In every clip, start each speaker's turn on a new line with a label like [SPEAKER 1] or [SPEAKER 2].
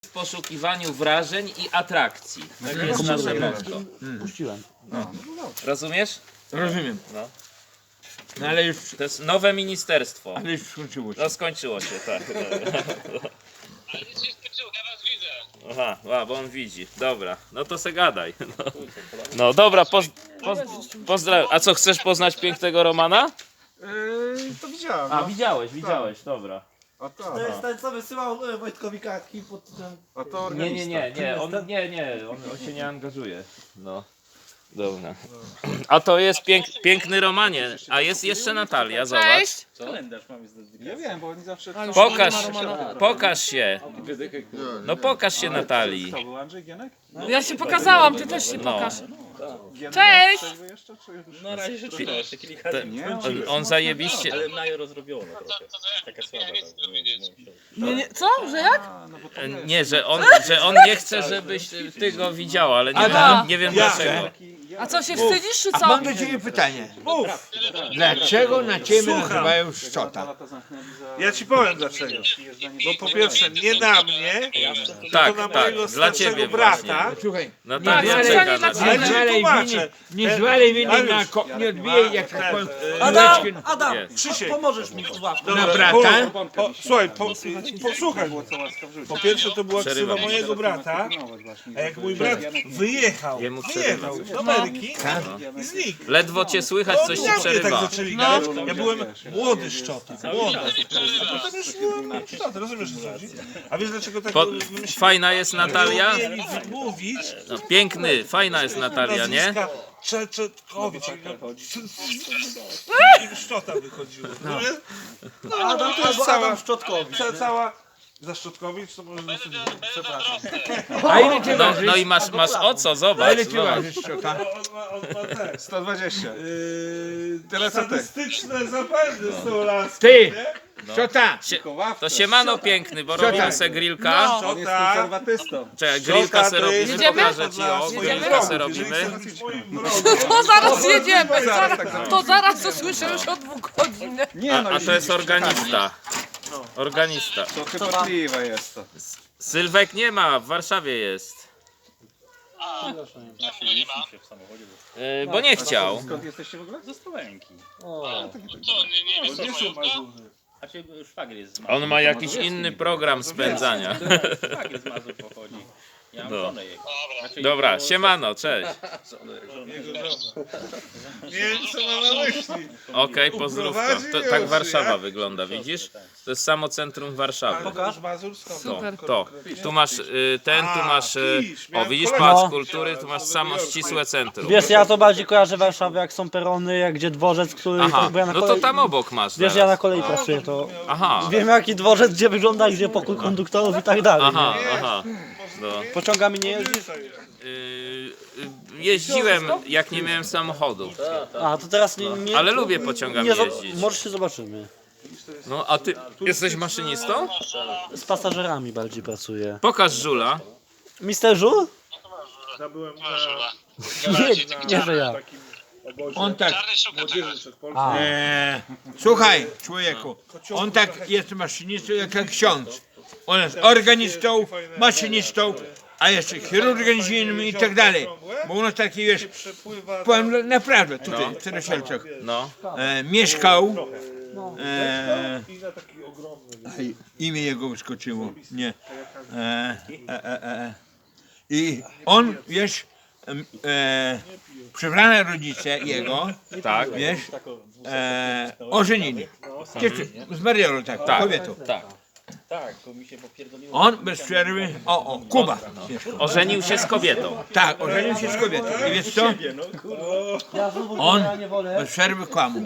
[SPEAKER 1] w poszukiwaniu wrażeń i atrakcji. Tak jest nasze motto.
[SPEAKER 2] Puściłem.
[SPEAKER 1] No. Rozumiesz?
[SPEAKER 3] Rozumiem.
[SPEAKER 1] No.
[SPEAKER 3] No ale już,
[SPEAKER 1] To jest nowe ministerstwo.
[SPEAKER 3] ale już skończyło się.
[SPEAKER 1] No skończyło się, tak.
[SPEAKER 4] Ale nic się skończyło, ja was widzę.
[SPEAKER 1] Aha, bo on widzi. Dobra, no to se gadaj. No dobra, pozdrawiam. A co, chcesz poznać pięknego Romana?
[SPEAKER 5] To widziałem.
[SPEAKER 1] A, widziałeś, dobra.
[SPEAKER 5] A to,
[SPEAKER 2] To jest ten, co wysyłał Wojtkowi kartki pod tym...
[SPEAKER 5] a to
[SPEAKER 1] Nie,
[SPEAKER 5] organista.
[SPEAKER 1] on się nie angażuje. No. Dobra. A to jest piękny Romanie. A jest jeszcze Natalia, zobacz.
[SPEAKER 5] Ja wiem, bo oni zawsze...
[SPEAKER 1] Pokaż się. No pokaż się Natalii.
[SPEAKER 5] To był Andrzej Gienek?
[SPEAKER 6] Ja się pokazałam, ty też się
[SPEAKER 1] No.
[SPEAKER 6] pokaż.
[SPEAKER 5] Gienek
[SPEAKER 6] Cześć!
[SPEAKER 5] trzeźwy jeszcze, czy już?
[SPEAKER 7] Na razie jeszcze kilka dni.
[SPEAKER 1] On zajebiście.
[SPEAKER 7] Ale Majo rozrobiona trochę. Taka słaba.
[SPEAKER 4] Nie chcę to wiedzieć.
[SPEAKER 6] Nie, co? Że jak?
[SPEAKER 5] No bo to
[SPEAKER 1] Nie, że on nie chce, żebyś ty go widziała, ale nie wiem dlaczego.
[SPEAKER 6] A co, się wstydzisz, czy
[SPEAKER 3] A
[SPEAKER 6] co?
[SPEAKER 3] mam do ciebie pytanie. Dlaczego na ciebie nazywają szczota?
[SPEAKER 5] lata zamknęli za...
[SPEAKER 8] Ja ci powiem dlaczego. Bo po pierwsze nie na mnie,
[SPEAKER 1] Tak,
[SPEAKER 8] to na
[SPEAKER 1] tak,
[SPEAKER 8] mojego
[SPEAKER 1] dla ciebie
[SPEAKER 8] starszego
[SPEAKER 1] właśnie.
[SPEAKER 8] brata.
[SPEAKER 3] Słuchaj,
[SPEAKER 1] Natalia
[SPEAKER 6] Tak,
[SPEAKER 1] czeka
[SPEAKER 6] dla
[SPEAKER 1] na
[SPEAKER 6] ciebie.
[SPEAKER 8] Ale
[SPEAKER 1] ciebie.
[SPEAKER 8] ci
[SPEAKER 3] zwalej
[SPEAKER 8] tłumaczę.
[SPEAKER 3] winy, nie zwalej winy na nie odbijaj jak tak powiem, kuleczki
[SPEAKER 2] Adam,
[SPEAKER 1] Jest.
[SPEAKER 8] Krzysiek.
[SPEAKER 2] pomożesz mi w ławce.
[SPEAKER 8] Dobra,
[SPEAKER 3] na brata.
[SPEAKER 8] Słuchaj, posłuchaj.
[SPEAKER 5] Było co łaska wrzucić.
[SPEAKER 8] Po pierwsze to była
[SPEAKER 1] Przerywam.
[SPEAKER 8] ksywa mojego brata, a jak mój brat wyjechał do Ameryki i znikł.
[SPEAKER 1] Ledwo cię słychać,
[SPEAKER 8] To
[SPEAKER 1] coś
[SPEAKER 8] oni
[SPEAKER 1] ci
[SPEAKER 8] na mnie tak
[SPEAKER 1] przerywa.
[SPEAKER 8] zaczęli gadać. Ja byłem młody szczota, młody. A potem już byłem szczota, rozumiesz o co chodzi? A wiesz dlaczego tak wymyślili?
[SPEAKER 1] Fajna jest Natalia?
[SPEAKER 8] Nie umieli wymówić
[SPEAKER 1] No, piękny, fajna jest Natalia, nie?
[SPEAKER 8] nazwiska Czechetkowicz. Szczota wychodziło. rozumiesz? No,
[SPEAKER 2] Adam,
[SPEAKER 8] to jest
[SPEAKER 2] albo
[SPEAKER 8] cała,
[SPEAKER 2] Adam Szczotkowicz.
[SPEAKER 8] cała za Szczotkowicz, to może dosyć, przepraszam.
[SPEAKER 3] A ile ty
[SPEAKER 1] No,
[SPEAKER 3] ważysz?
[SPEAKER 1] no i masz o co,
[SPEAKER 3] A
[SPEAKER 1] zobacz.
[SPEAKER 3] ile ty
[SPEAKER 1] zobacz.
[SPEAKER 3] ważysz szczota?
[SPEAKER 8] On ma te
[SPEAKER 5] 120. Teraz co ty?
[SPEAKER 8] sadystyczne zapędy z tą laską,
[SPEAKER 3] Ty,
[SPEAKER 8] nie?
[SPEAKER 3] szczota,
[SPEAKER 1] To siemano piękny, bo
[SPEAKER 3] Szczota.
[SPEAKER 1] robimy se grillka.
[SPEAKER 5] On jest
[SPEAKER 8] Szczota,
[SPEAKER 5] konserwatystą.
[SPEAKER 1] Czekaj, grillka se robimy,
[SPEAKER 6] Jedziemy?
[SPEAKER 1] pokażę ci, o, grillka se robimy.
[SPEAKER 6] To zaraz jedziemy, to zaraz to słyszę już od 2 godzin.
[SPEAKER 5] Nie no,
[SPEAKER 1] A to jest organista. Organista.
[SPEAKER 5] to chybotliwe jest to.
[SPEAKER 1] Sylwek nie ma, w Warszawie jest. Bo nie chciał.
[SPEAKER 5] Skąd jesteście w ogóle?
[SPEAKER 7] Ze Słowenki.
[SPEAKER 4] Co, nie wiesz co mają?
[SPEAKER 7] A cię szwagier jest z Mazur.
[SPEAKER 1] On ma jakiś inny program spędzania.
[SPEAKER 7] Szwagier z Mazur pochodzi. Ja mam
[SPEAKER 1] No.
[SPEAKER 7] żonę jego. Znaczy,
[SPEAKER 1] Dobra,
[SPEAKER 7] jego-
[SPEAKER 1] siemano, cześć.
[SPEAKER 8] nie wiem co ma na myśli.
[SPEAKER 1] Okej, pozdrówka. Tak Warszawa wygląda, widzisz? To jest samo centrum Warszawy.
[SPEAKER 8] Pokaż Mazur skąd?
[SPEAKER 1] To. Tu masz tu masz. O, widzisz,
[SPEAKER 8] kolegę.
[SPEAKER 1] Pałac Kultury, tu masz samo ścisłe centrum.
[SPEAKER 2] Wiesz, ja to bardziej kojarzę Warszawę, jak są perony, jak gdzie dworzec, który...
[SPEAKER 1] Aha,
[SPEAKER 2] bo ja na
[SPEAKER 1] no to
[SPEAKER 2] kolei-
[SPEAKER 1] tam obok masz.
[SPEAKER 2] Wiesz, ja
[SPEAKER 1] Teraz.
[SPEAKER 2] na kolei pracuję, to
[SPEAKER 1] Aha,
[SPEAKER 2] wiem jaki dworzec, gdzie wygląda, gdzie pokój konduktorów i tak dalej.
[SPEAKER 1] aha, aha. No.
[SPEAKER 2] Pociągami nie jeździsz?
[SPEAKER 1] Jeździłem, jak nie miałem samochodu.
[SPEAKER 2] A, to teraz nie...
[SPEAKER 1] Ale lubię pociągami
[SPEAKER 2] nie,
[SPEAKER 1] jeździć.
[SPEAKER 2] Może się zobaczymy.
[SPEAKER 1] No, a ty jesteś maszynistą?
[SPEAKER 2] Z pasażerami bardziej pracuję.
[SPEAKER 1] Pokaż żula.
[SPEAKER 2] Mister Żul?
[SPEAKER 8] Ja byłem
[SPEAKER 2] Nie, że ja.
[SPEAKER 3] on tak,
[SPEAKER 4] Czarny szuka czegoś.
[SPEAKER 2] A,
[SPEAKER 3] słuchaj człowieku, on tak jest maszynistą jak ksiądz. On jest organistą, maszynistą, a jeszcze chirurgiem zimnym i tak dalej. Bo u nas taki, wiesz,
[SPEAKER 8] przepływa
[SPEAKER 3] powiem naprawdę, tutaj w Starosielcach,
[SPEAKER 1] No.
[SPEAKER 3] mieszkał,
[SPEAKER 8] i na taki ogromny.
[SPEAKER 3] aj, imię jego wyskoczyło, nie. I on, wiesz, przebrane rodzice jego,
[SPEAKER 1] Tak.
[SPEAKER 3] wiesz, ożenili. Zmariono tak,
[SPEAKER 1] Tak.
[SPEAKER 3] kobietą.
[SPEAKER 1] Tak.
[SPEAKER 7] Tak, to mi się popierdoliło.
[SPEAKER 3] On bez przerwy, Kuba,
[SPEAKER 1] Ożenił się z kobietą.
[SPEAKER 3] tak, ożenił się z kobietą. I wiesz co? On bez przerwy kłamał,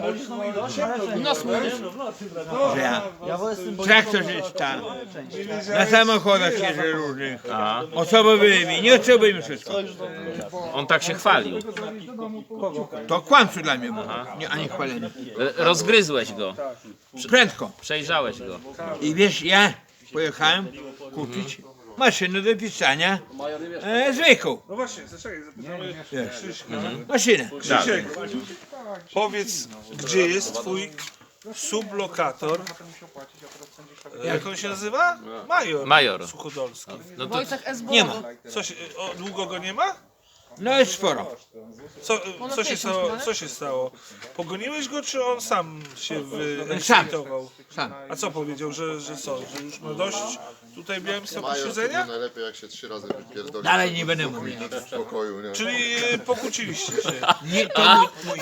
[SPEAKER 3] że ja traktorzysta, na samochodach jeżdżę różnych, osobowymi, nieosobowymi, wszystko.
[SPEAKER 1] On tak się chwalił.
[SPEAKER 3] To kłamstwo dla mnie było, a nie chwalenie.
[SPEAKER 1] Rozgryzłeś go.
[SPEAKER 3] Prędko.
[SPEAKER 1] Przejrzałeś go.
[SPEAKER 3] I wiesz, ja pojechałem kupić maszynę do pisania zwykłą.
[SPEAKER 8] No właśnie, zaczekaj, zapytamy
[SPEAKER 3] Wiesz,
[SPEAKER 8] Krzyśka.
[SPEAKER 3] maszynę.
[SPEAKER 8] Krzysiek, powiedz, gdzie jest twój sublokator. Jak on się nazywa? Major.
[SPEAKER 1] Major.
[SPEAKER 8] Suchodolski.
[SPEAKER 1] No to
[SPEAKER 6] Wojciech S.
[SPEAKER 3] Nie ma.
[SPEAKER 8] Długo go nie ma?
[SPEAKER 3] No jest sporo.
[SPEAKER 8] Co się stało? Pogoniłeś go, czy on sam się
[SPEAKER 3] Sam.
[SPEAKER 8] wyekscytował?
[SPEAKER 3] Sam.
[SPEAKER 8] A co powiedział, że co? Że już ma dość tutaj w Białymstoku
[SPEAKER 9] Major to
[SPEAKER 8] siedzenia?
[SPEAKER 9] najlepiej jak się 3 razy wypierdoli.
[SPEAKER 3] Dalej nie będę mówił.
[SPEAKER 9] W spokoju, nie?
[SPEAKER 8] Czyli pokłóciliście się.
[SPEAKER 3] Nie, to mój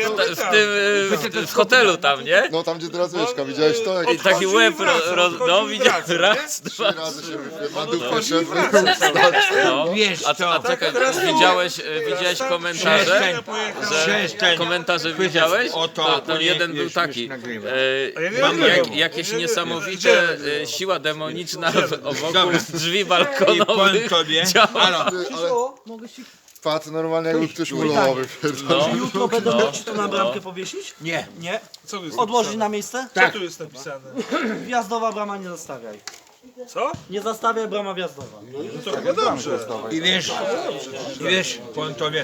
[SPEAKER 1] w hotelu tam, nie?
[SPEAKER 9] No tam gdzie teraz mieszka, widziałeś to? Jak
[SPEAKER 1] I taki łeb no widziałem,
[SPEAKER 8] wraca,
[SPEAKER 1] raz,
[SPEAKER 9] 3
[SPEAKER 1] dwa.
[SPEAKER 9] razy się na dupę szedł.
[SPEAKER 1] No.
[SPEAKER 3] Wiesz
[SPEAKER 1] A
[SPEAKER 3] co?
[SPEAKER 1] czekaj, widziałeś komentarze?
[SPEAKER 3] Przestań.
[SPEAKER 1] Komentarze widziałeś?
[SPEAKER 3] O to,
[SPEAKER 1] To jeden był taki.
[SPEAKER 3] nagrywam.
[SPEAKER 8] A ja nie
[SPEAKER 1] Mam
[SPEAKER 8] nagrywam.
[SPEAKER 1] jakieś
[SPEAKER 8] Nie, nie.
[SPEAKER 1] niesamowite siła demoniczna wokół
[SPEAKER 3] Dobra.
[SPEAKER 1] drzwi
[SPEAKER 3] I powiem
[SPEAKER 1] balkonowych.
[SPEAKER 3] tobie,
[SPEAKER 1] działa.
[SPEAKER 3] halo,
[SPEAKER 9] Ale wpadł normalnie jakby ktoś mulował wypierdolił.
[SPEAKER 1] No.
[SPEAKER 2] Jutro będą chcieć to na bramkę powiesić?
[SPEAKER 3] nie,
[SPEAKER 2] Nie.
[SPEAKER 8] Co tu jest
[SPEAKER 2] Odłożyć
[SPEAKER 8] napisane?
[SPEAKER 2] na miejsce?
[SPEAKER 8] Co tu jest napisane?
[SPEAKER 2] Wjazdowa brama nie zastawiaj.
[SPEAKER 8] Co?
[SPEAKER 2] Nie zastawiaj, brama wjazdowa.
[SPEAKER 8] To chyba dobrze.
[SPEAKER 3] i wiesz, powiem tobie,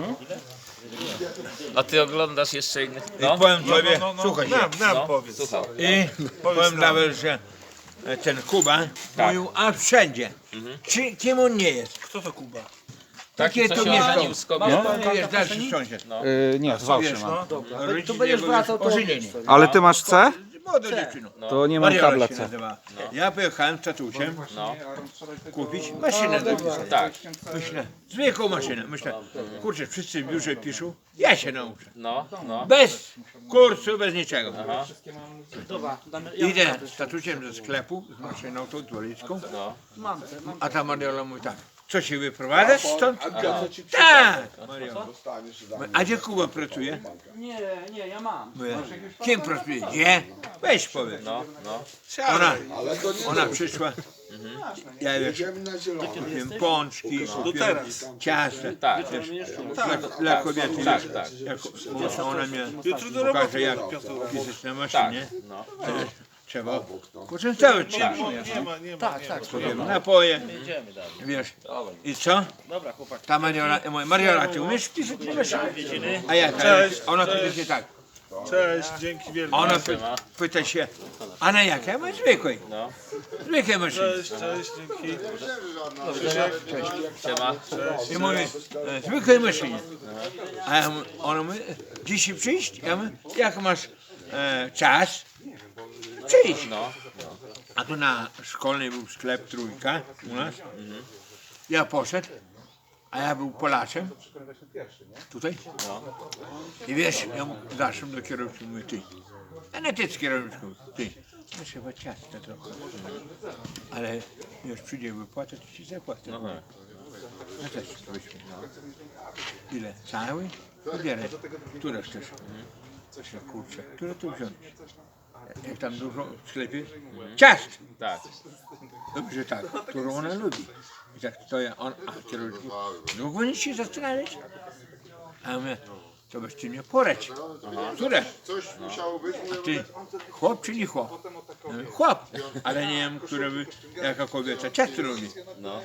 [SPEAKER 1] A ty oglądasz jeszcze innych?
[SPEAKER 3] i powiem tobie,
[SPEAKER 8] No,
[SPEAKER 3] słuchaj się,
[SPEAKER 8] nam powiedz.
[SPEAKER 1] Słucham.
[SPEAKER 3] i powiem nawet, że ten Kuba mówił, a wszędzie, kim on nie jest,
[SPEAKER 8] Kto to Kuba?
[SPEAKER 3] takie
[SPEAKER 1] Co
[SPEAKER 3] to
[SPEAKER 1] się
[SPEAKER 3] mieszkał,
[SPEAKER 1] ożenił z kobietą.
[SPEAKER 3] no, wiesz, dalszy sąsiad,
[SPEAKER 5] Nie, z Wałszy
[SPEAKER 3] wiesz,
[SPEAKER 5] mam.
[SPEAKER 3] tu będziesz wracał, to ożenienie.
[SPEAKER 5] Ale ty masz C?
[SPEAKER 3] Młoda dziewczyna.
[SPEAKER 5] To nie mam
[SPEAKER 3] Mariola
[SPEAKER 5] kabla
[SPEAKER 3] się
[SPEAKER 5] C.
[SPEAKER 3] nazywa. Ja pojechałem z tatusiem
[SPEAKER 1] No.
[SPEAKER 3] kupić maszynę do pisania.
[SPEAKER 1] Tak.
[SPEAKER 3] Myślę, zwykłą maszynę. Myślę, kurczę, wszyscy w biurze piszą, ja się nauczę.
[SPEAKER 1] No.
[SPEAKER 3] Bez kursu, bez niczego.
[SPEAKER 2] Dobra,
[SPEAKER 3] Idę z tatusiem ze sklepu, z maszyną tą dwolicką, a ta Mariola mówi tak, co się wyprowadzasz stąd? Tak! Mariola. A gdzie Kuba pracuje?
[SPEAKER 2] Nie, ja mam.
[SPEAKER 3] Mówię, kim pracuje? Gdzie? Weź powiedz. Ona przyszła. Ja wiesz, kupiłem pączki, kupiłem ciasta.
[SPEAKER 1] Tak.
[SPEAKER 3] Wiesz, dla kobiety.
[SPEAKER 1] Tak,
[SPEAKER 3] wiesz,
[SPEAKER 1] tak.
[SPEAKER 3] jak ona mnie
[SPEAKER 8] Jutro do
[SPEAKER 3] pokaże
[SPEAKER 8] roboty.
[SPEAKER 3] jak pisać na maszynie.
[SPEAKER 1] No.
[SPEAKER 3] Trzeba poczęstować się.
[SPEAKER 8] Nie ma.
[SPEAKER 2] Tak.
[SPEAKER 3] Kupiłem napoje.
[SPEAKER 7] Jedziemy dalej.
[SPEAKER 3] Wiesz. I co?
[SPEAKER 7] Dobra, chłopak.
[SPEAKER 3] Ta Mariola, mówię, Mariola, ty umiesz pisać na maszynie? A jak?
[SPEAKER 8] Cześć.
[SPEAKER 3] Ona pyta się tak.
[SPEAKER 8] Cześć, dzięki wielkie.
[SPEAKER 3] Ona pyta się, a na jakie? Ja mówię, zwykłej.
[SPEAKER 1] No.
[SPEAKER 3] Zwykłej maszynie.
[SPEAKER 8] Cześć, dzięki.
[SPEAKER 1] Siema.
[SPEAKER 3] I mówię, zwykłej maszynie. A ja mówię, ona mówi, dzisiaj przyjść? Ja mówię, jak masz czas? Przyjść.
[SPEAKER 1] No.
[SPEAKER 3] A tu na szkolnej był sklep Trójka u nas. Ja poszedł, a ja był Polaczem. Tutaj. I wiesz, ja zaszłem do kierowcy, mówię, ty. A nie ty z kierowniczką, ty. No trzeba ciasta trochę. Ale już przyjdzie wypłata, to ci zapłacę. No też weźmy. Ile? Cały? Wybieraj. Które chcesz? Kurczę, które tu wziąć? Jak tam dużo w sklepie? Ciast!
[SPEAKER 1] Tak.
[SPEAKER 3] Dobrze tak, którą ona lubi. I tak to ja, a kierownik, długo nic się zastanawiać? A ja mówię, to byś ty mnie poradź. Które?
[SPEAKER 9] Coś musiało być, mówię,
[SPEAKER 3] Ty, chłop czy nie chłop? Ja mówię, chłop, ale nie wiem, które by, jaka kobieta ciasto robi.
[SPEAKER 1] No.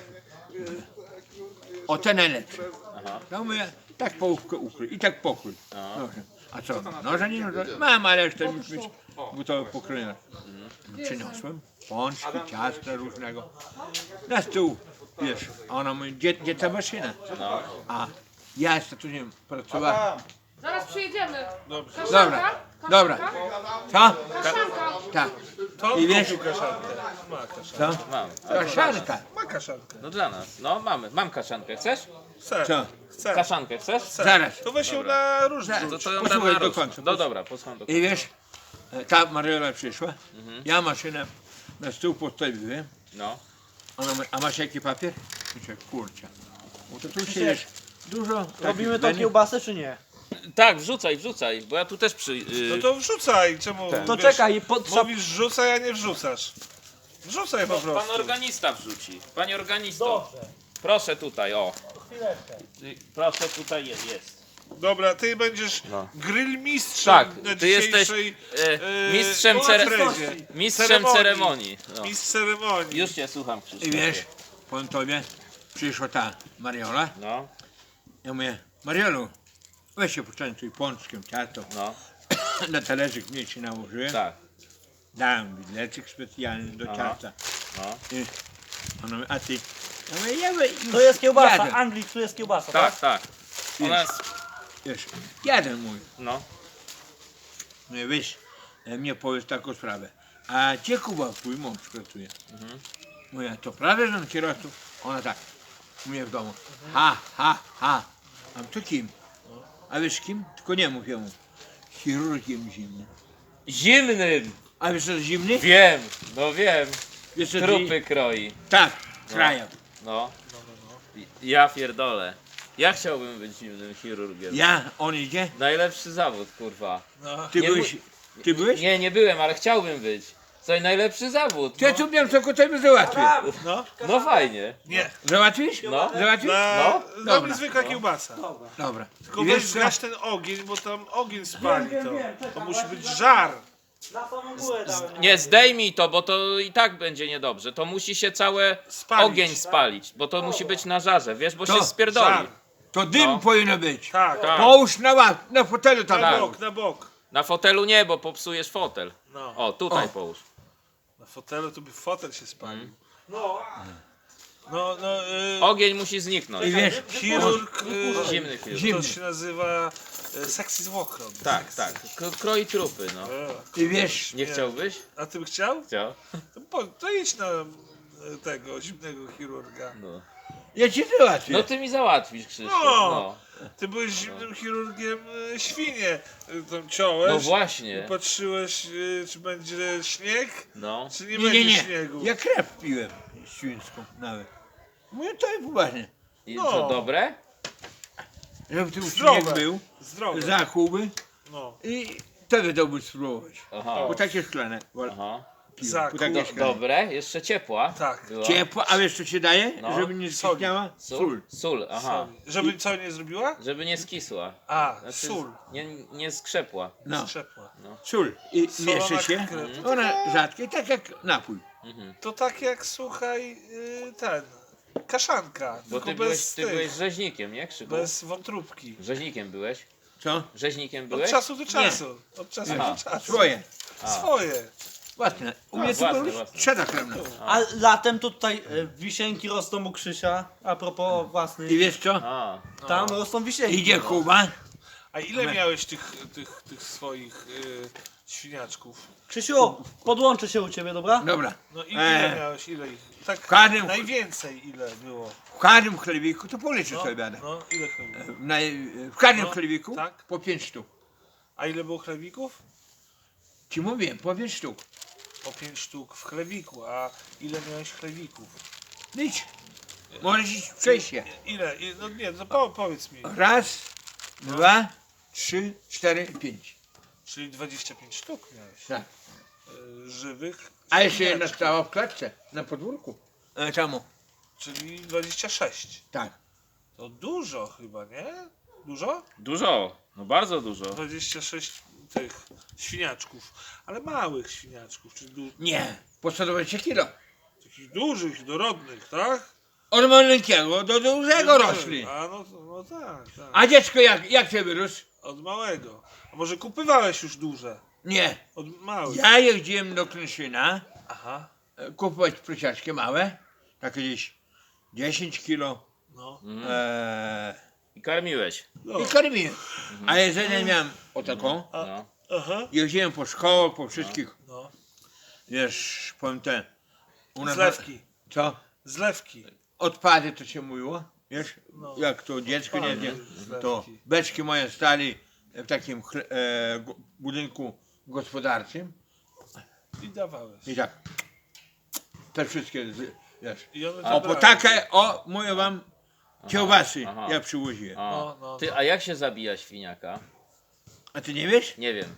[SPEAKER 3] O te najlepsze. No mówię, tak połówkę ukryj i tak pokrój. Dobrze. A co, noża nie noża? Mam, ale jeszcze już być gotowe pokrojone. Przyniosłem pączki, ciasta różnego. Na stół, wiesz, a ona mówi, gdzie ta maszyna? A ja z tatusiem pracowałem.
[SPEAKER 6] Zaraz przyjedziemy.
[SPEAKER 3] Dobra, dobra. Co?
[SPEAKER 6] Kaszanka.
[SPEAKER 3] Tak.
[SPEAKER 8] To
[SPEAKER 3] I wiesz,
[SPEAKER 8] kaszankę. Ma kaszankę.
[SPEAKER 3] co?
[SPEAKER 1] Mam.
[SPEAKER 3] Kaszanka.
[SPEAKER 8] Ma kaszankę.
[SPEAKER 1] No dla nas. No mamy. Mam kaszankę. Chcesz?
[SPEAKER 8] Chcę.
[SPEAKER 3] Co?
[SPEAKER 8] Chcę.
[SPEAKER 1] Kaszankę chcesz?
[SPEAKER 3] Zaraz.
[SPEAKER 8] To weź ją na różne.
[SPEAKER 1] To ją dam
[SPEAKER 3] Posłuchaj
[SPEAKER 1] na
[SPEAKER 3] do
[SPEAKER 1] różne.
[SPEAKER 3] końca.
[SPEAKER 1] No dobra, posłucham do końca.
[SPEAKER 3] I wiesz, ta Mariola przyszła, ja maszynę na stół postawiłem,
[SPEAKER 1] No.
[SPEAKER 3] ona mówi, a masz jaki papier? Myślę, kurczę, bo to tu się wiesz, dużo
[SPEAKER 2] Robimy
[SPEAKER 3] takich
[SPEAKER 2] to kiełbasę czy nie?
[SPEAKER 1] Tak, wrzucaj, bo ja tu też
[SPEAKER 8] No to wrzucaj. Czemu?
[SPEAKER 2] To
[SPEAKER 8] wiesz,
[SPEAKER 2] czekaj,
[SPEAKER 8] Mówisz wrzucaj, a nie wrzucasz. Wrzucaj po
[SPEAKER 1] Pan
[SPEAKER 8] prostu.
[SPEAKER 1] organista wrzuci. Panie organisto. Proszę tutaj, o. Proszę, tutaj jest.
[SPEAKER 8] Dobra, ty będziesz grill mistrzem
[SPEAKER 1] Tak,
[SPEAKER 8] na
[SPEAKER 1] ty jesteś
[SPEAKER 8] dzisiejszej
[SPEAKER 1] mistrzem,
[SPEAKER 8] imprezie.
[SPEAKER 1] mistrzem ceremonii. No.
[SPEAKER 8] Mistrz ceremonii.
[SPEAKER 1] Już cię słucham,
[SPEAKER 3] I
[SPEAKER 1] Krzysztof.
[SPEAKER 3] wiesz, powiem tobie, przyszła ta Mariola,
[SPEAKER 1] No,
[SPEAKER 3] ja mówię, Mariolu, weź się poczęstuj pączkiem, ciasto.
[SPEAKER 1] no.
[SPEAKER 3] na talerzyk mnie się nałożyłem.
[SPEAKER 1] Tak.
[SPEAKER 3] Dałem widelczyk specjalny do
[SPEAKER 1] Aha.
[SPEAKER 3] ciasta.
[SPEAKER 1] No.
[SPEAKER 3] I ona mówi, a ty? Ja mówię, już
[SPEAKER 2] To jest kiełbasa,
[SPEAKER 3] jadę.
[SPEAKER 2] Anglik, tu jest kiełbasa, tak?
[SPEAKER 1] Tak, tak. Ona jest...
[SPEAKER 3] Wiesz, jadę mój.
[SPEAKER 1] No.
[SPEAKER 3] No i wiesz, mnie powiedz taką sprawę. A gdzie Kuba, twój mąż pracuje? Mówię, to prawda, że on kierowcą? Ona tak, u mnie w domu. Ha. A to kim? A wiesz kim? Tylko nie mów jemu. Chirurgiem zimnym.
[SPEAKER 1] Zimnym!
[SPEAKER 3] A wiesz co jest zimny?
[SPEAKER 1] Wiem, no wiem.
[SPEAKER 3] Wiesz co
[SPEAKER 1] Trupy kroi.
[SPEAKER 3] Tak, kraja.
[SPEAKER 1] No. Ja pierdolę. Ja chciałbym być zimnym chirurgiem.
[SPEAKER 3] On idzie?
[SPEAKER 1] Najlepszy zawód, kurwa.
[SPEAKER 3] Ty
[SPEAKER 1] Nie
[SPEAKER 3] byłeś? Ty byłeś?
[SPEAKER 1] Nie, nie byłem, ale chciałbym być. Co, najlepszy zawód.
[SPEAKER 3] Ty tu miałem tylko tobie załatwię.
[SPEAKER 1] No fajnie.
[SPEAKER 8] Nie.
[SPEAKER 3] Załatwisz?
[SPEAKER 1] No.
[SPEAKER 3] Załatwisz?
[SPEAKER 8] Dla
[SPEAKER 3] Dobra.
[SPEAKER 8] mnie zwykła kiełbasa.
[SPEAKER 3] Dobra.
[SPEAKER 8] Tylko
[SPEAKER 3] I
[SPEAKER 8] weź
[SPEAKER 3] wiesz co?
[SPEAKER 8] zgaś ten ogień, bo tam ogień spali to. To musi być żar.
[SPEAKER 2] Na samą górę dałem.
[SPEAKER 1] Nie, zdejmij to, bo to i tak będzie niedobrze. To musi się całe
[SPEAKER 8] Spalić.
[SPEAKER 1] ogień spalić, bo to musi być na żarze, wiesz, bo
[SPEAKER 3] To
[SPEAKER 1] się spierdoli.
[SPEAKER 8] Żar.
[SPEAKER 3] To dym
[SPEAKER 1] No.
[SPEAKER 3] powinno być.
[SPEAKER 8] Tak,
[SPEAKER 1] Tak.
[SPEAKER 3] Połóż na fotelu tam.
[SPEAKER 8] na
[SPEAKER 1] Tak.
[SPEAKER 8] bok, na bok.
[SPEAKER 1] Na fotelu nie, bo popsujesz fotel.
[SPEAKER 8] No.
[SPEAKER 1] O, tutaj
[SPEAKER 3] O.
[SPEAKER 1] połóż.
[SPEAKER 8] Na fotelu to by fotel się spalił.
[SPEAKER 2] No,
[SPEAKER 8] No,
[SPEAKER 1] Ogień musi zniknąć.
[SPEAKER 3] I wiesz,
[SPEAKER 8] chirurg,
[SPEAKER 1] Zimny chwil.
[SPEAKER 3] Zimny.
[SPEAKER 8] to się nazywa sexy zwłokrąt.
[SPEAKER 1] Tak, tak. Kroi trupy, no.
[SPEAKER 3] i wiesz,
[SPEAKER 1] Nie chciałbyś?
[SPEAKER 8] A ty by chciał?
[SPEAKER 1] Chciał.
[SPEAKER 8] To idź na tego zimnego chirurga.
[SPEAKER 1] No.
[SPEAKER 3] ja ci załatwię.
[SPEAKER 1] No ty mi załatwisz, Krzysztof.
[SPEAKER 8] No.
[SPEAKER 1] No,
[SPEAKER 8] Ty byłeś zimnym chirurgiem świnie. Tam ciąłeś.
[SPEAKER 1] no właśnie.
[SPEAKER 8] Patrzyłeś, czy będzie śnieg,
[SPEAKER 1] No.
[SPEAKER 8] czy nie,
[SPEAKER 3] Nie,
[SPEAKER 8] będzie
[SPEAKER 3] nie, nie.
[SPEAKER 8] śniegu.
[SPEAKER 3] Ja krew piłem świńską nawet. Mówię, to jest poważnie.
[SPEAKER 1] I
[SPEAKER 8] No.
[SPEAKER 1] co, dobre?
[SPEAKER 3] Żeby tu
[SPEAKER 8] Zdrowe.
[SPEAKER 3] śnieg był,
[SPEAKER 8] Zdrowe.
[SPEAKER 3] zachuby
[SPEAKER 8] No.
[SPEAKER 3] i wtedy dałby spróbować.
[SPEAKER 1] Aha.
[SPEAKER 3] Po takie szklane.
[SPEAKER 1] Aha.
[SPEAKER 3] Piłem,
[SPEAKER 8] Zakup.
[SPEAKER 3] po takie szklane.
[SPEAKER 1] Dobre? Jeszcze ciepła?
[SPEAKER 8] Tak.
[SPEAKER 1] Była?
[SPEAKER 3] Ciepło, a wiesz co się daje?
[SPEAKER 1] No.
[SPEAKER 3] Żeby nie
[SPEAKER 8] Sól.
[SPEAKER 3] skistniała?
[SPEAKER 1] Sól? Sól, aha.
[SPEAKER 8] Żeby co nie zrobiła?
[SPEAKER 1] Żeby nie skisła.
[SPEAKER 8] A,
[SPEAKER 1] Znaczy,
[SPEAKER 8] sól.
[SPEAKER 1] Nie skrzepła.
[SPEAKER 3] No,
[SPEAKER 8] Strzepła.
[SPEAKER 3] sól. I
[SPEAKER 8] Solona
[SPEAKER 3] mieszy się.
[SPEAKER 8] krew.
[SPEAKER 3] Ona rzadkie, tak jak napój.
[SPEAKER 8] To tak jak, słuchaj, ten, kaszanka,
[SPEAKER 1] Bo
[SPEAKER 8] tylko
[SPEAKER 1] ty
[SPEAKER 8] bez
[SPEAKER 1] byłeś
[SPEAKER 8] tych,
[SPEAKER 1] rzeźnikiem, nie, Krzyku?
[SPEAKER 8] bez wątróbki.
[SPEAKER 1] Rzeźnikiem byłeś?
[SPEAKER 3] Co?
[SPEAKER 1] Rzeźnikiem
[SPEAKER 8] Od
[SPEAKER 1] byłeś?
[SPEAKER 8] czasu do czasu. Od czasu
[SPEAKER 1] Aha.
[SPEAKER 8] do czasu.
[SPEAKER 3] Swoje.
[SPEAKER 8] Swoje.
[SPEAKER 3] Własne. U mnie to
[SPEAKER 1] własne,
[SPEAKER 3] były
[SPEAKER 1] własne.
[SPEAKER 3] trzeba krewne.
[SPEAKER 2] a latem to tutaj wisienki rosną u Krzysia, a propos
[SPEAKER 3] I
[SPEAKER 2] własnych.
[SPEAKER 3] wiesz co?
[SPEAKER 1] A,
[SPEAKER 2] Tam rosną wisienki.
[SPEAKER 3] Idzie Kuba.
[SPEAKER 8] A ile miałeś tych swoich świniaczków?
[SPEAKER 2] Krzysiu, podłączę się u ciebie, dobra?
[SPEAKER 3] Dobra.
[SPEAKER 8] No i ile
[SPEAKER 3] E.
[SPEAKER 8] miałeś, ile ich? Tak
[SPEAKER 3] każdym-
[SPEAKER 8] najwięcej ile było?
[SPEAKER 3] W każdym chlebiku, to policzę
[SPEAKER 8] No,
[SPEAKER 3] sobie będę.
[SPEAKER 8] no ile chlebików?
[SPEAKER 3] W każdym
[SPEAKER 8] No,
[SPEAKER 3] chlebiku
[SPEAKER 8] tak.
[SPEAKER 3] po 5 sztuk.
[SPEAKER 8] A ile było chlebików?
[SPEAKER 3] Ci mówię, po 5 sztuk.
[SPEAKER 8] Po 5 sztuk w chlebiku, a ile miałeś chlebików?
[SPEAKER 3] Idź. Możesz iść przejść się.
[SPEAKER 8] Ile? No nie, no powiedz mi.
[SPEAKER 3] Raz, 2, 3, 4, 5.
[SPEAKER 8] Czyli 25 sztuk miałeś.
[SPEAKER 3] Tak.
[SPEAKER 8] Żywych.
[SPEAKER 3] A jeszcze jedna
[SPEAKER 8] świniaczków.
[SPEAKER 3] stała w klatce, na podwórku. Czemu?
[SPEAKER 8] Czyli 26.
[SPEAKER 3] Tak.
[SPEAKER 8] To dużo chyba, nie? Dużo?
[SPEAKER 1] dużo. No bardzo dużo.
[SPEAKER 8] 26 tych świniaczków. Ale małych świniaczków, czyli
[SPEAKER 3] Nie, po 120 kilo.
[SPEAKER 8] takich dużych, dorodnych, tak?
[SPEAKER 3] Od maleńkiego do dużego rośli.
[SPEAKER 8] A no tak, tak.
[SPEAKER 3] A dziecko jak cię wyrósł?
[SPEAKER 8] Od małego. A może kupywałeś już duże?
[SPEAKER 3] Nie.
[SPEAKER 8] Od małych.
[SPEAKER 3] Ja jeździłem do Klęszyna
[SPEAKER 8] Aha.
[SPEAKER 3] kupować prosiaczki małe, takie gdzieś 10 kilo
[SPEAKER 8] No.
[SPEAKER 1] I karmiłeś.
[SPEAKER 3] i karmiłem. A jedzenie miałem o taką.
[SPEAKER 1] No.
[SPEAKER 8] Aha.
[SPEAKER 3] Jeździłem po szkołach, po wszystkich,
[SPEAKER 8] No.
[SPEAKER 3] wiesz, powiem te, u nas-
[SPEAKER 8] Zlewki.
[SPEAKER 3] Co?
[SPEAKER 8] Zlewki.
[SPEAKER 3] Odpady to się mówiło, wiesz,
[SPEAKER 8] No.
[SPEAKER 3] jak to dziecko nie wie,
[SPEAKER 8] Zlewki.
[SPEAKER 3] to beczki moje stali w takim budynku gospodarczym
[SPEAKER 8] I dawałeś.
[SPEAKER 3] i tak, te wszystkie, wiesz,
[SPEAKER 8] I one
[SPEAKER 3] o po
[SPEAKER 8] zabrały.
[SPEAKER 3] takie, mówię wam, kiełbasy
[SPEAKER 1] aha.
[SPEAKER 3] ja przywoziłem.
[SPEAKER 1] A.
[SPEAKER 8] No.
[SPEAKER 1] Ty, a jak się zabija świniaka?
[SPEAKER 3] A ty nie wiesz?
[SPEAKER 1] Nie wiem.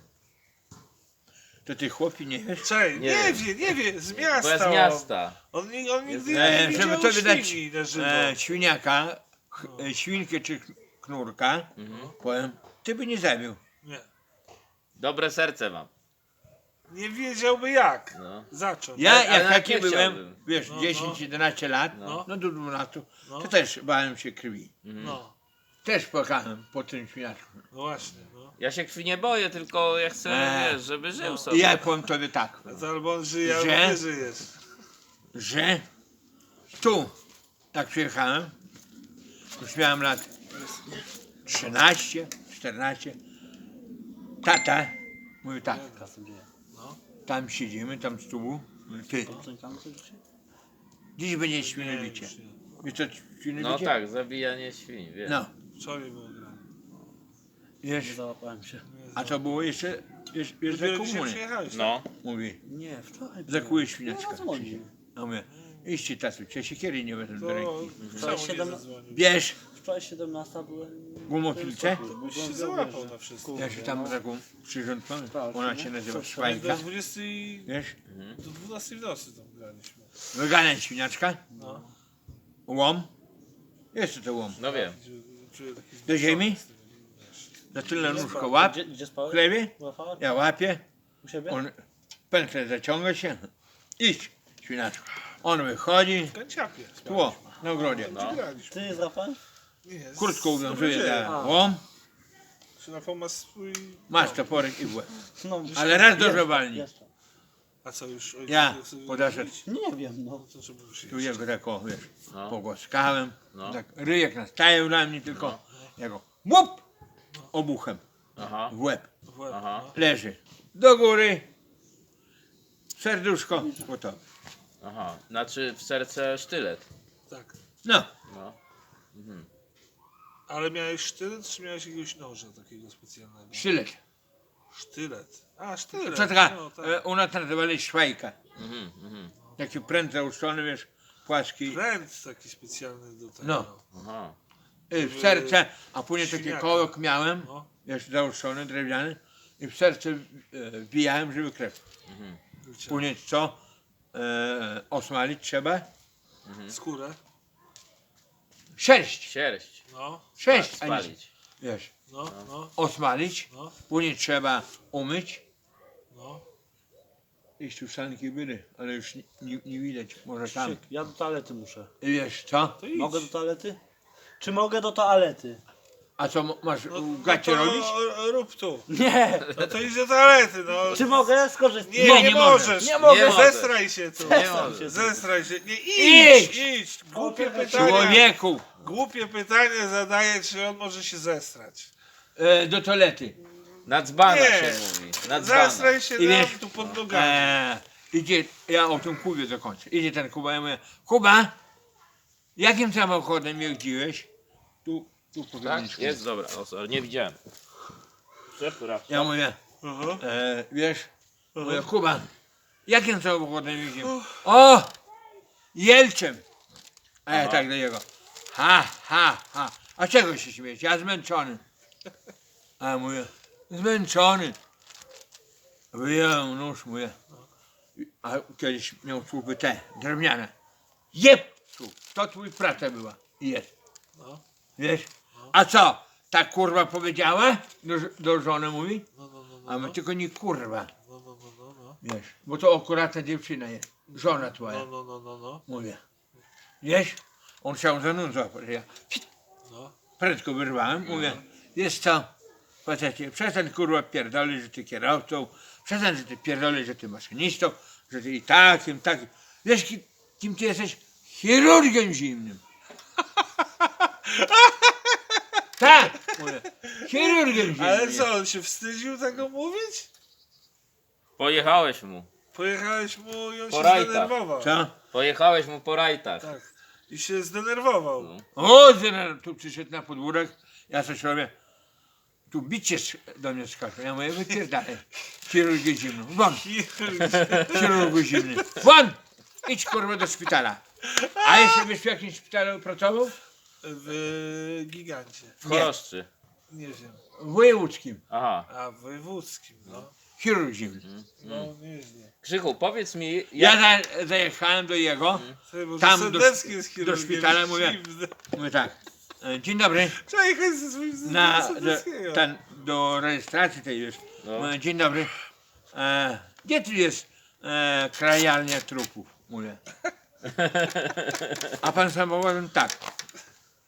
[SPEAKER 3] To ty chłopi nie wiesz?
[SPEAKER 8] Czej,
[SPEAKER 1] Nie
[SPEAKER 8] nie wie, z miasta.
[SPEAKER 1] Bo ja z miasta.
[SPEAKER 8] On nigdy
[SPEAKER 3] E,
[SPEAKER 8] nie
[SPEAKER 3] żeby
[SPEAKER 8] widział
[SPEAKER 3] to wydać
[SPEAKER 8] świni na żywo.
[SPEAKER 3] świniaka, świnkę czy knurka, powiem, ty by nie zabił.
[SPEAKER 8] Nie.
[SPEAKER 1] Dobre serce mam.
[SPEAKER 8] Nie wiedziałby jak
[SPEAKER 1] No.
[SPEAKER 8] zacząć.
[SPEAKER 3] Ja
[SPEAKER 1] Ale
[SPEAKER 3] jak
[SPEAKER 1] nawet
[SPEAKER 3] taki
[SPEAKER 1] nie
[SPEAKER 3] byłem,
[SPEAKER 1] chciałbym.
[SPEAKER 3] wiesz, 10-11 lat,
[SPEAKER 1] No.
[SPEAKER 3] no do 12,
[SPEAKER 8] No.
[SPEAKER 3] to też bałem się krwi.
[SPEAKER 8] No.
[SPEAKER 3] Też płakałem po tym świniaczku.
[SPEAKER 8] No właśnie, no.
[SPEAKER 1] Ja się krwi nie boję, tylko ja chcę, wiesz, żeby żył
[SPEAKER 3] I
[SPEAKER 1] sobie.
[SPEAKER 3] ja powiem tobie tak,
[SPEAKER 8] A to albo on żyje, albo
[SPEAKER 3] Że?
[SPEAKER 8] nie żyjesz.
[SPEAKER 3] że tu, jak przyjechałem, już miałem lat 13, 14, tata mówi tak, tam siedzimy, tam z tubu, mówi, ty, dziś będzie świnobicie. Wiesz co świnobicie?
[SPEAKER 1] No tak, zabijanie świń, wiesz.
[SPEAKER 3] No,
[SPEAKER 8] Wczoraj było grane.
[SPEAKER 3] wiesz,
[SPEAKER 2] Załapałem się.
[SPEAKER 3] a to było jeszcze za
[SPEAKER 8] Dopiero dzisiaj
[SPEAKER 3] komuny.
[SPEAKER 8] przyjechałeś.
[SPEAKER 1] No,
[SPEAKER 3] Mówi,
[SPEAKER 2] Nie, wczoraj.
[SPEAKER 3] zakuje świniaczka.
[SPEAKER 2] Dzwonił.
[SPEAKER 3] A mówię, iście tatu, cię siekiery nie wezmę do
[SPEAKER 8] To
[SPEAKER 3] ręki.
[SPEAKER 8] czemu nie
[SPEAKER 2] 7
[SPEAKER 8] zadzwonił?
[SPEAKER 3] Bierz
[SPEAKER 2] Wczoraj 17 byłem.
[SPEAKER 3] gumofilce,
[SPEAKER 8] Byś się załapał na wszystko.
[SPEAKER 3] ja się tam taką przyrządkową, ona się nazywa
[SPEAKER 8] Do
[SPEAKER 3] szwajka,
[SPEAKER 8] 20
[SPEAKER 3] wiesz,
[SPEAKER 8] do 12 w nocy tam graliśmy.
[SPEAKER 3] wyganiać świniaczka,
[SPEAKER 8] No.
[SPEAKER 3] łom, jeszcze to łom,
[SPEAKER 1] no wiem.
[SPEAKER 8] Czuję taki
[SPEAKER 3] do ziemi, za tyle nóżko łap,
[SPEAKER 2] Gdzie
[SPEAKER 3] w
[SPEAKER 2] spałeś?
[SPEAKER 3] chlebie,
[SPEAKER 2] Rafał?
[SPEAKER 3] ja łapię,
[SPEAKER 2] U siebie?
[SPEAKER 3] on pętlę zaciąga się, idź świniaczku, on wychodzi,
[SPEAKER 8] w kanciapie.
[SPEAKER 3] tło, na ogrodzie,
[SPEAKER 1] No.
[SPEAKER 8] Graliśmy.
[SPEAKER 2] Ty z Rafałem?
[SPEAKER 8] Nie, z-
[SPEAKER 3] kurtką
[SPEAKER 8] z
[SPEAKER 3] uwiązuje
[SPEAKER 8] dobrodziejem.
[SPEAKER 3] za łom,
[SPEAKER 8] Rafał ma swój...
[SPEAKER 3] masz toporek i w łeb,
[SPEAKER 2] No,
[SPEAKER 3] ale raz dobrze walni,
[SPEAKER 2] jeszcze.
[SPEAKER 8] A co już? ojciec
[SPEAKER 3] ja
[SPEAKER 8] nie chce
[SPEAKER 3] podeszedł,
[SPEAKER 2] Nie wiem, no.
[SPEAKER 8] To trzeba
[SPEAKER 3] tu
[SPEAKER 8] przyjść.
[SPEAKER 3] jego tak o, wiesz,
[SPEAKER 1] No.
[SPEAKER 3] pogłaskałem,
[SPEAKER 1] No.
[SPEAKER 3] tak ryjek nastaje na mnie tylko, ja go łup, obuchem
[SPEAKER 1] Aha,
[SPEAKER 3] w łeb,
[SPEAKER 8] W łeb,
[SPEAKER 1] aha.
[SPEAKER 8] no.
[SPEAKER 3] leży, do góry, serduszko, gotowe.
[SPEAKER 1] aha. Znaczy w serce sztylet.
[SPEAKER 8] Tak.
[SPEAKER 3] No,
[SPEAKER 1] No.
[SPEAKER 8] Ale miałeś sztylet, czy miałeś jakiegoś noża takiego specjalnego?
[SPEAKER 3] sztylet.
[SPEAKER 8] Sztylet. A, sztylet.
[SPEAKER 3] To taka,
[SPEAKER 8] No, tak.
[SPEAKER 3] u nas nazywali szwajka.
[SPEAKER 1] Mhm, mhm.
[SPEAKER 3] Taki pręt zauszczony, wiesz, płaski.
[SPEAKER 8] Pręt taki specjalny do tego.
[SPEAKER 3] No.
[SPEAKER 1] Aha.
[SPEAKER 3] W serce, a później taki
[SPEAKER 8] Świniaka.
[SPEAKER 3] kołek miałem,
[SPEAKER 8] No.
[SPEAKER 3] wiesz, zauszczony, drewniany. I w serce wbijałem, żeby krew. Później co? Osmalić trzeba.
[SPEAKER 8] Skórę.
[SPEAKER 3] Sześć.
[SPEAKER 8] No,
[SPEAKER 1] Sierść.
[SPEAKER 3] Sześć, a nie,
[SPEAKER 1] Spalić.
[SPEAKER 3] wiesz,
[SPEAKER 8] no.
[SPEAKER 3] osmalić.
[SPEAKER 8] No.
[SPEAKER 3] Później trzeba umyć.
[SPEAKER 8] No.
[SPEAKER 3] Iść tu sanki były, ale już nie widać, może tam.
[SPEAKER 2] Ja do toalety muszę.
[SPEAKER 3] I wiesz co?
[SPEAKER 8] To idź.
[SPEAKER 2] Mogę do toalety? Czy mogę do toalety?
[SPEAKER 3] A co masz
[SPEAKER 8] No,
[SPEAKER 3] w gacie
[SPEAKER 8] to
[SPEAKER 3] robić?
[SPEAKER 8] Rób tu.
[SPEAKER 2] Nie!
[SPEAKER 8] No to idź do toalety, no.
[SPEAKER 2] Czy mogę skorzystać?
[SPEAKER 8] Nie, nie
[SPEAKER 3] możesz.
[SPEAKER 8] możesz.
[SPEAKER 2] Nie mogę.
[SPEAKER 8] Zestraj się tu.
[SPEAKER 1] Nie możesz.
[SPEAKER 8] Zestraj się. Nie,
[SPEAKER 3] Idź.
[SPEAKER 8] idź. Głupie pytanie.
[SPEAKER 3] Człowieku,
[SPEAKER 8] Głupie pytanie zadaje, czy on może się zestrać.
[SPEAKER 3] do toalety.
[SPEAKER 1] Na dzbana
[SPEAKER 8] Nie.
[SPEAKER 1] się mówi. Na dzbana.
[SPEAKER 8] Zestraj się
[SPEAKER 3] I
[SPEAKER 8] nam
[SPEAKER 3] wiesz,
[SPEAKER 8] tu pod nogami.
[SPEAKER 3] Idzie, ja o tym Kubie dokończę. Idzie ten Kuba, ja mówię, Kuba, jakim samochodem jeździłeś? Tu po
[SPEAKER 1] Tak?
[SPEAKER 3] graniczku.
[SPEAKER 1] Jest, dobra. O, sorry, nie widziałem. Przepraszam.
[SPEAKER 3] Ja mówię,
[SPEAKER 8] Aha.
[SPEAKER 3] wiesz, mówię, Kuba, jakim samochodem jeździłem? O, Jelczem. A ja tak do niego, ha, a czego się śmiejesz? Ja zmęczony. A ja mówię, zmęczony. Wyjąłem nóż, mówię, a kiedyś miał słupy te, drewniane. Jeb! To twój praca była. I jest.
[SPEAKER 8] No.
[SPEAKER 3] Wiesz? A co? Ta kurwa powiedziała? Do żony mówi?
[SPEAKER 8] No.
[SPEAKER 3] A my tylko nie kurwa.
[SPEAKER 8] No.
[SPEAKER 3] Wiesz? Bo to akurat ta dziewczyna jest. Żona twoja.
[SPEAKER 8] No.
[SPEAKER 3] Mówię. Wiesz? On chciał za nóż złapać. Ja
[SPEAKER 8] No.
[SPEAKER 3] prędko wyrwałem. Mówię. Wiesz co? Facecie, przestań kurwa pierdolić, że ty kierowcą. Przestań, że ty pierdolisz, że ty maszynistą. Że ty i takim. Wiesz, kim ty jesteś? Chirurgiem zimnym. Tak, mówię. Chirurgiem zimnym.
[SPEAKER 8] Ale co, on się wstydził tego mówić?
[SPEAKER 1] Pojechałeś mu.
[SPEAKER 8] Pojechałeś mu i on
[SPEAKER 1] Po
[SPEAKER 8] się
[SPEAKER 1] rajtach.
[SPEAKER 8] zdenerwował.
[SPEAKER 3] Co?
[SPEAKER 1] Pojechałeś mu po rajtach.
[SPEAKER 8] Tak. I się zdenerwował.
[SPEAKER 1] No.
[SPEAKER 3] O, tu przyszedł na podwórek. Ja coś robię. Tu bicie do mnie skacze. Ja mówię, wypierdalaj. Chirurgię zimną. Won, chirurgu zimny. Won! Idź kurwa do szpitala. A jeszcze byś w jakimś szpitalu pracował?
[SPEAKER 8] W gigancie.
[SPEAKER 1] W Choroszczy.
[SPEAKER 8] Nie wiem.
[SPEAKER 3] W wojewódzkim.
[SPEAKER 1] Aha.
[SPEAKER 8] A w wojewódzkim, no.
[SPEAKER 3] Chirurg zimny.
[SPEAKER 8] No, nieźle.
[SPEAKER 1] Krzychu, powiedz mi,
[SPEAKER 3] Ja zajechałem do jego.
[SPEAKER 8] Słuchaj, może
[SPEAKER 3] Tam
[SPEAKER 8] Sendecki jest
[SPEAKER 3] do
[SPEAKER 8] chirurgiem
[SPEAKER 3] szpitala mówię.
[SPEAKER 8] zimnym.
[SPEAKER 3] Mówię tak. Dzień dobry.
[SPEAKER 8] Trzeba jechać ze swoim Sendeckiego.
[SPEAKER 3] Do rejestracji tej już.
[SPEAKER 1] No.
[SPEAKER 3] Mówię, dzień dobry. Gdzie tu jest krajalnia trupów? Mówię. A pan samochodem tak.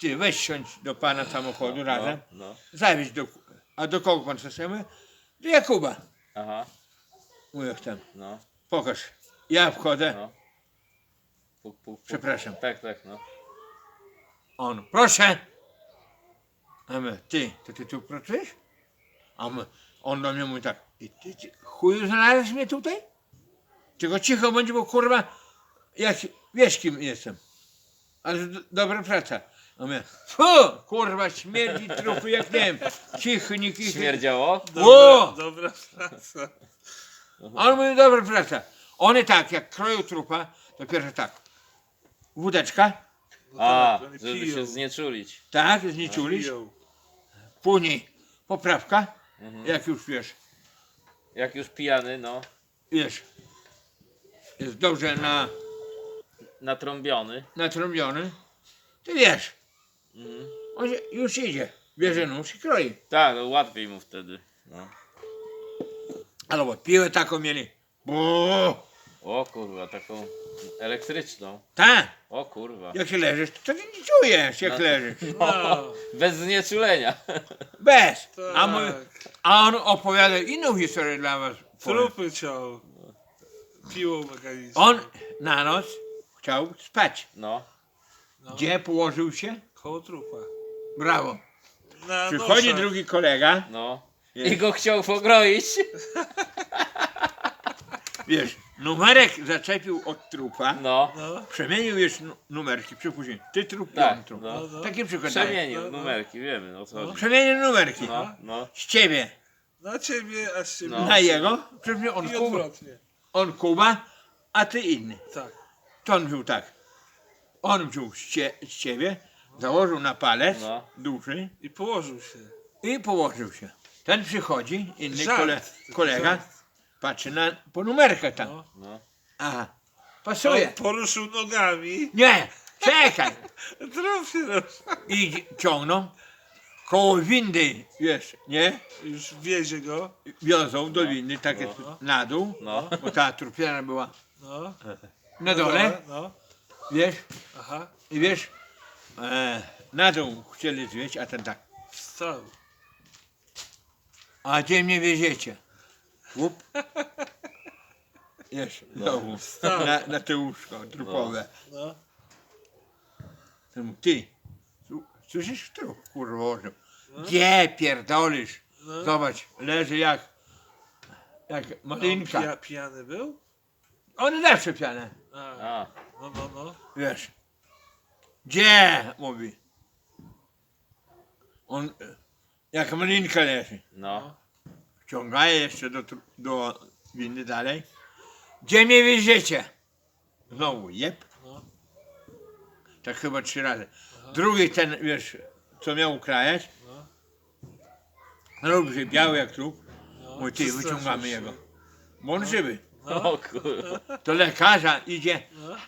[SPEAKER 3] ty weź siądź do pana samochodu razem,
[SPEAKER 1] No.
[SPEAKER 3] zawieź a do kogo pan chce? Do Jakuba.
[SPEAKER 1] Aha.
[SPEAKER 3] Mówię, jak tam,
[SPEAKER 1] No.
[SPEAKER 3] pokaż. Ja wchodzę,
[SPEAKER 1] No. Puk, puk, puk.
[SPEAKER 3] przepraszam.
[SPEAKER 1] Tak, no.
[SPEAKER 3] On, proszę. A my, ty tu pracujesz? A my, on do mnie mówi tak, ty chuju znalazłeś mnie tutaj? Tylko cicho bądź, bo kurwa, jak, wiesz kim jestem. Ale dobra praca. A my, fu, kurwa, śmierdzi trupy jak nie wiem. Cichy, nikt.
[SPEAKER 1] Śmierdziało?
[SPEAKER 3] O!
[SPEAKER 8] Dobra praca.
[SPEAKER 3] A on mówi, dobra praca. One tak, jak kroją trupa, to pierwsze tak, wódeczka,
[SPEAKER 1] A,
[SPEAKER 8] oni
[SPEAKER 1] żeby
[SPEAKER 8] piją.
[SPEAKER 1] się znieczulić.
[SPEAKER 3] tak, znieczulić,
[SPEAKER 8] Piją.
[SPEAKER 3] później poprawka, jak już
[SPEAKER 1] Jak już pijany, no.
[SPEAKER 3] wiesz, jest dobrze
[SPEAKER 1] Natrąbiony.
[SPEAKER 3] natrąbiony, ty wiesz, on już idzie, bierze nóż i kroi.
[SPEAKER 1] Tak, no łatwiej mu wtedy. No.
[SPEAKER 3] Albo piłę taką mieli, bo
[SPEAKER 1] O kurwa, taką elektryczną.
[SPEAKER 3] tak,
[SPEAKER 1] O kurwa.
[SPEAKER 3] jak się leżysz, to ty nie czujesz, jak leżysz,
[SPEAKER 8] No,
[SPEAKER 1] Bez znieczulenia.
[SPEAKER 3] bez,
[SPEAKER 8] tak.
[SPEAKER 3] a on opowiada inną historię dla was.
[SPEAKER 8] Trupy ciął. Piłą mechaniczną.
[SPEAKER 3] On na noc chciał spać.
[SPEAKER 1] No.
[SPEAKER 3] Gdzie położył się?
[SPEAKER 8] Koło trupa.
[SPEAKER 3] Brawo.
[SPEAKER 8] Na
[SPEAKER 3] Przychodzi
[SPEAKER 8] noszach.
[SPEAKER 3] drugi kolega,
[SPEAKER 1] No.
[SPEAKER 3] Jest.
[SPEAKER 1] I go chciał pogroić.
[SPEAKER 3] wiesz, numerek zaczepił od trupa,
[SPEAKER 1] No.
[SPEAKER 8] No,
[SPEAKER 3] przemienił już numerki, przypuśćmy, ty trup,
[SPEAKER 1] Tak,
[SPEAKER 3] on trup.
[SPEAKER 1] no.
[SPEAKER 8] no.
[SPEAKER 3] Taki przykład daję.
[SPEAKER 1] Przemienił numerki, wiemy o co chodzi.
[SPEAKER 3] Przemienił numerki.
[SPEAKER 1] No, no.
[SPEAKER 3] Z ciebie
[SPEAKER 8] Na ciebie, a z ciebie.
[SPEAKER 1] No.
[SPEAKER 3] na jego, przypuśćmy
[SPEAKER 8] I odwrotnie.
[SPEAKER 3] on Kuba, a ty inny.
[SPEAKER 8] Tak.
[SPEAKER 3] To on wziął tak. On wziął z ciebie, założył na palec
[SPEAKER 1] No.
[SPEAKER 3] duży
[SPEAKER 8] I położył się.
[SPEAKER 3] i położył się. Ten przychodzi, inny
[SPEAKER 8] Żart.
[SPEAKER 3] kolega,
[SPEAKER 8] Żart.
[SPEAKER 3] patrzy po numerkach tam.
[SPEAKER 8] No.
[SPEAKER 1] No.
[SPEAKER 3] Aha, pasuje.
[SPEAKER 8] On poruszył nogami.
[SPEAKER 3] Nie, czekaj.
[SPEAKER 8] Trup się rusza.
[SPEAKER 3] I ciągną koło windy, wiesz, nie?
[SPEAKER 8] Już wiezie go.
[SPEAKER 3] Wiozą do windy, tak jest na dół,
[SPEAKER 1] No.
[SPEAKER 3] bo ta trupiana była
[SPEAKER 8] No.
[SPEAKER 3] na dole,
[SPEAKER 8] No.
[SPEAKER 3] wiesz,
[SPEAKER 8] Aha.
[SPEAKER 3] i wiesz, na dół chcieli zwieść, a ten tak,
[SPEAKER 8] Wstał.
[SPEAKER 3] a gdzie mnie wieziecie? Łup. Wiesz, znowu, na te łóżko trupowe.
[SPEAKER 8] No.
[SPEAKER 3] Ten mówi, ty, słyszysz trup, kurwa, orzeł. Gdzie pierdolisz?
[SPEAKER 8] No.
[SPEAKER 3] Zobacz, leży jak malinka.
[SPEAKER 8] On pijany był?
[SPEAKER 3] On zawsze piane,
[SPEAKER 8] A.
[SPEAKER 1] A.
[SPEAKER 8] No.
[SPEAKER 3] wiesz. Gdzie? Mówi. On jak malinka leży.
[SPEAKER 1] No.
[SPEAKER 3] Wciągaje jeszcze do windy dalej. Gdzie mnie wieziecie? Znowu jeb.
[SPEAKER 8] No.
[SPEAKER 3] Tak chyba 3 razy. Drugi ten, wiesz, co miał ukrajać. Robi biały jak trup. Mówi, ty, wyciągamy jego. Bo on żywy.
[SPEAKER 1] O kurwa.
[SPEAKER 3] Do lekarza idzie.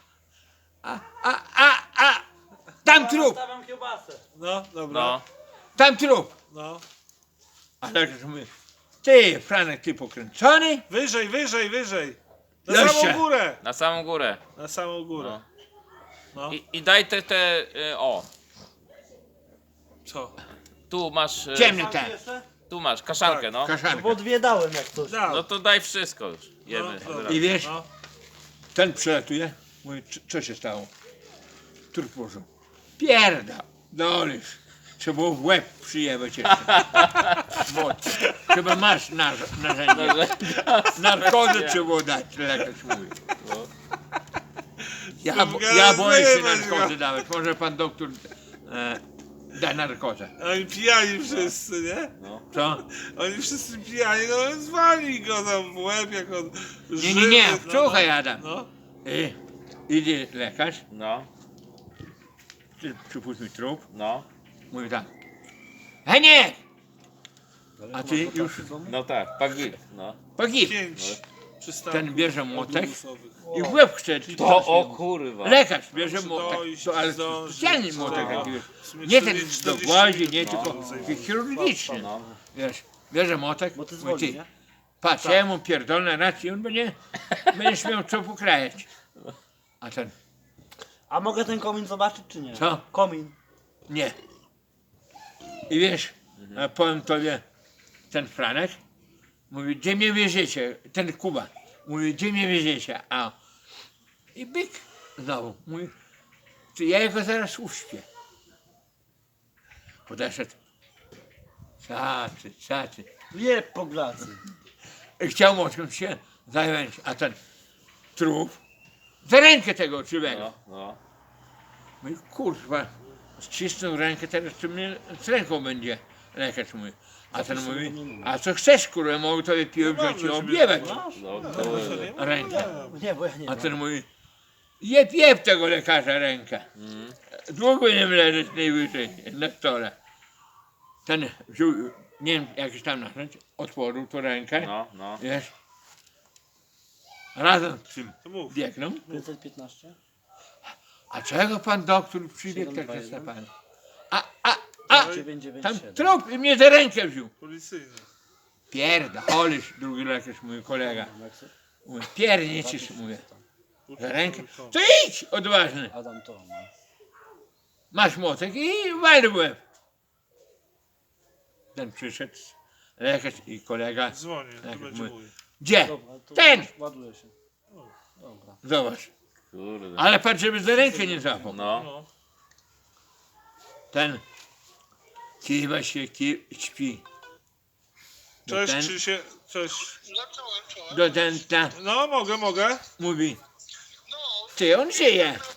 [SPEAKER 3] A, tam trup,
[SPEAKER 8] No, dobra.
[SPEAKER 1] No.
[SPEAKER 3] tam trup.
[SPEAKER 8] No.
[SPEAKER 3] A lekarz mówi, ty, Franek, ty pokręcony?
[SPEAKER 8] Wyżej, wyżej, wyżej. Na
[SPEAKER 3] Jeszcze.
[SPEAKER 8] samą górę.
[SPEAKER 1] Na samą górę.
[SPEAKER 8] Na samą górę. No.
[SPEAKER 1] I daj o.
[SPEAKER 8] Co?
[SPEAKER 1] Tu masz.
[SPEAKER 3] Ciemny ten,
[SPEAKER 1] Tu masz kaszankę, no.
[SPEAKER 3] kaszanka.
[SPEAKER 2] Bo dwie dałem jak coś.
[SPEAKER 1] No to daj wszystko już. Jemy.
[SPEAKER 8] No, dobra.
[SPEAKER 3] I wiesz,
[SPEAKER 8] No.
[SPEAKER 3] ten przelatuje, mówi, co się stało? Trup położył. Pierda, dolisz. Trzeba było w łeb przyjebać jeszcze. Bo chyba masz narzędzie. Narkozę trzeba było dać, lekarz mówi. Ja boję się narkozy dawać. Może pan doktor da narkozę.
[SPEAKER 8] Oni pijani wszyscy, nie?
[SPEAKER 3] Co?
[SPEAKER 8] Oni wszyscy pijani, no zwali go tam w łeb, jak on żywy.
[SPEAKER 3] Nie,
[SPEAKER 8] no,
[SPEAKER 3] słuchaj Adam.
[SPEAKER 8] No.
[SPEAKER 3] Idzie lekarz,
[SPEAKER 1] No.
[SPEAKER 3] przypuśćmy trup,
[SPEAKER 1] No.
[SPEAKER 3] mówi tak. Heniek! A ty już
[SPEAKER 1] No tak, pagit. No.
[SPEAKER 3] pogib.
[SPEAKER 8] 5 przystanków
[SPEAKER 3] Ten bierze młotek
[SPEAKER 8] autobusowych.
[SPEAKER 3] i w łeb chce.
[SPEAKER 1] To o kurwa.
[SPEAKER 3] Lekarz bierze
[SPEAKER 8] Czy
[SPEAKER 3] młotek,
[SPEAKER 8] dojść,
[SPEAKER 3] to, ale
[SPEAKER 8] zdążyć,
[SPEAKER 3] specjalny
[SPEAKER 8] no.
[SPEAKER 3] młotek taki, wiesz.
[SPEAKER 8] W sumie
[SPEAKER 3] Nie ten
[SPEAKER 8] 40
[SPEAKER 3] do głazi, nie,
[SPEAKER 8] minut,
[SPEAKER 3] tylko
[SPEAKER 8] no.
[SPEAKER 3] taki chirurgiczny.
[SPEAKER 1] No.
[SPEAKER 3] Wiesz, bierze młotek,
[SPEAKER 2] Bo ty
[SPEAKER 3] mówi,
[SPEAKER 2] zwolni,
[SPEAKER 3] ty,
[SPEAKER 2] nie?
[SPEAKER 3] patrz, ja mu pierdolę rację, on będziesz miał co pokrajać. A ten,
[SPEAKER 2] A mogę ten komin zobaczyć czy nie?
[SPEAKER 3] Co?
[SPEAKER 2] Komin.
[SPEAKER 3] Nie. I wiesz, a powiem tobie, ten Franek mówi, gdzie mnie wieziecie? Ten Kuba mówi, gdzie mnie wieziecie? A i byk znowu mówi, to ja jego zaraz uśpię. Podeszedł. Cacy.
[SPEAKER 2] Nie po glacy.
[SPEAKER 3] Chciał mocno się zająć, a ten trup za rękę tego czywego.
[SPEAKER 1] No.
[SPEAKER 3] Mówi, kurwa, ścisnął rękę, teraz to mnie z ręką będzie lekarz mówi. A ten mówi, a co chcesz, kurwa, mogę tobie piłę wziąć i objebać rękę.
[SPEAKER 2] Nie, bo ja nie
[SPEAKER 3] A ten mówi, jeb tego lekarza rękę. Długo nie leżeć najwyżej na stole. Ten wziął, nie wiem, jakiś tam narzędzie, otworzył tu rękę,
[SPEAKER 1] No.
[SPEAKER 3] wiesz. Razem z tym
[SPEAKER 8] To mów.
[SPEAKER 3] biegną.
[SPEAKER 2] 515?
[SPEAKER 3] A czego pan doktor przybiegł tak na pan? A, tam
[SPEAKER 2] 997.
[SPEAKER 3] trop i mnie za rękę wziął.
[SPEAKER 8] Policyjny.
[SPEAKER 3] Pierdolisz, drugi lekarz, mój kolega. Mówi, pierniczysz, mówię. Za rękę. To idź, odważny.
[SPEAKER 2] Adam to, no.
[SPEAKER 3] Masz młotek i wal w łeb. Ten przyszedł, lekarz i kolega.
[SPEAKER 8] Dzwonię, to
[SPEAKER 3] Tak,
[SPEAKER 8] będzie
[SPEAKER 3] mój.
[SPEAKER 8] mój.
[SPEAKER 3] Gdzie?
[SPEAKER 2] Dobra, to
[SPEAKER 3] Ten!
[SPEAKER 2] ładuje się. Dobra.
[SPEAKER 3] Zobacz.
[SPEAKER 1] Kurde.
[SPEAKER 3] Ale patrz, żeby za rękę nie złapał.
[SPEAKER 1] No.
[SPEAKER 8] No.
[SPEAKER 3] Ten kiwa się, śpi.
[SPEAKER 8] Cześć
[SPEAKER 3] ten-
[SPEAKER 8] Krzysie, cześć.
[SPEAKER 3] Do ten
[SPEAKER 8] No mogę.
[SPEAKER 3] mówi, ty on żyje.